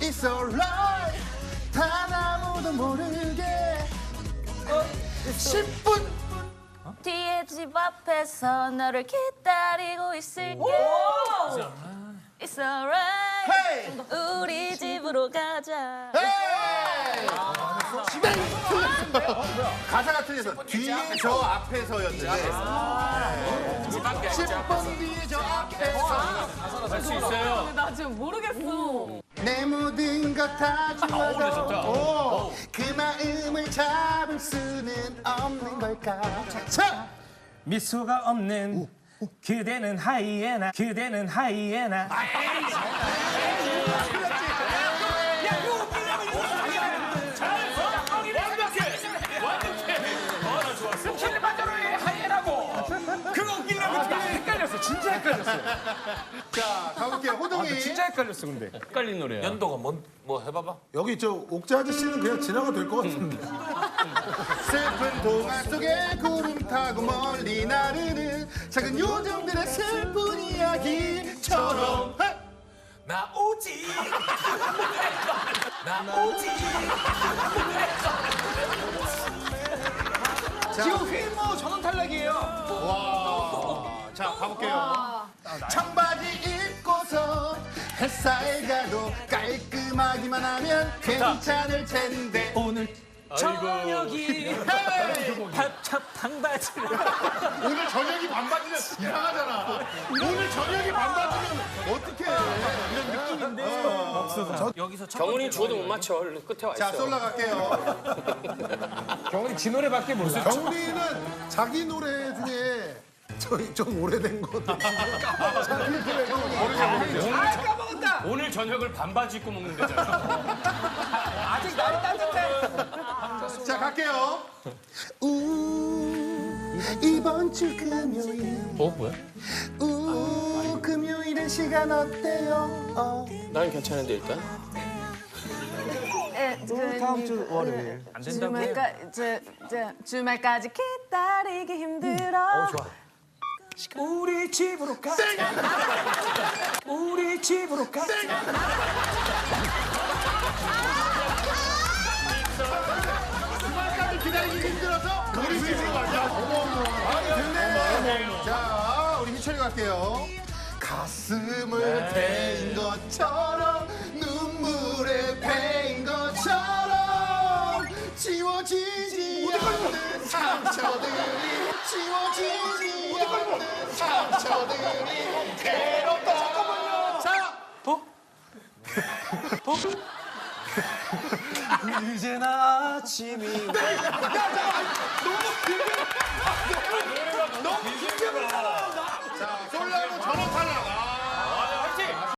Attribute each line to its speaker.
Speaker 1: It's alright 단 아무도 모르게 10분
Speaker 2: 뒤에 집 앞에서 너를 기다리고 있을게. It's alright.
Speaker 1: 헤이
Speaker 2: 우리 집으로 가자.
Speaker 1: 헤이 가사가 틀려서 뒤에 저 앞에서였는데 10분 뒤에 저 앞에서
Speaker 3: 할 수 있어요.
Speaker 4: 나 지금 모르겠어.
Speaker 1: 내 모든 것 다 주어도 그 마음을 잡을 수는 없는 걸까 자!
Speaker 5: 미소가 없는 그대는 하이에나 그대는 하이에나
Speaker 3: 킬리만자로의 하이에나고 그거 웃기려고 헷갈렸어. 진짜 헷갈렸어.
Speaker 1: 자 가볼게요 호동이
Speaker 5: 진짜 헷갈렸어 근데
Speaker 3: 헷갈린 노래야.
Speaker 6: 연도가 뭐 해봐봐.
Speaker 7: 여기 저 옥자 아저씨는 그냥 지나가 될 것 같은데.
Speaker 1: 슬픈 동화 속에 구름 타고 멀리 나르는 작은 요정들의 슬픈 이야기처럼
Speaker 6: 나 오지. 나 오지.
Speaker 5: 지금 휘모 전원 탈락이에요.
Speaker 1: 자 가볼게요 청바지 입고서 햇살 가도 깔끔하기만 하면 괜찮을 텐데
Speaker 5: 오늘 저녁이 팝찹 방바지를
Speaker 1: 오늘 저녁이 반바지는 이상하잖아 오늘 저녁이 반바지면 어떡해 이런 느낌인데
Speaker 6: 경훈이 주어도 못 맞춰. 얼른 끝에 와 있어.
Speaker 1: 자 솔라 갈게요
Speaker 5: 경훈이 지 노래밖에 모르죠.
Speaker 7: 경훈이는 자기 노래 중에 저희 좀 오래된 거. 자기 노래
Speaker 3: 오늘 저녁을 반바지 입고 먹는 데잖아.
Speaker 5: 아직 날이 따뜻해.
Speaker 1: 자 갈게요 이번 주 금요일
Speaker 6: 뭐야?
Speaker 1: 금요일의 시간 어때요?
Speaker 6: 난 괜찮은데 일단.
Speaker 4: 다음 주 월요일. 안 된다고. 주말까지 기다리기 힘들어.
Speaker 5: 우리 집으로 가. 우리 집으로 가.
Speaker 1: 주말까지 기다리기 힘들어서 우리 집으로 가자 아니 됐네 자 우리 희철이 갈게요 가슴을 베인 것처럼 눈물에 베인 것처럼 지워지지 않는 상처들이 지워지지 않는 상처들이 괴롭다 잠깐만요 자
Speaker 5: 이제는 아침이
Speaker 1: 야, 잠깐만. 너무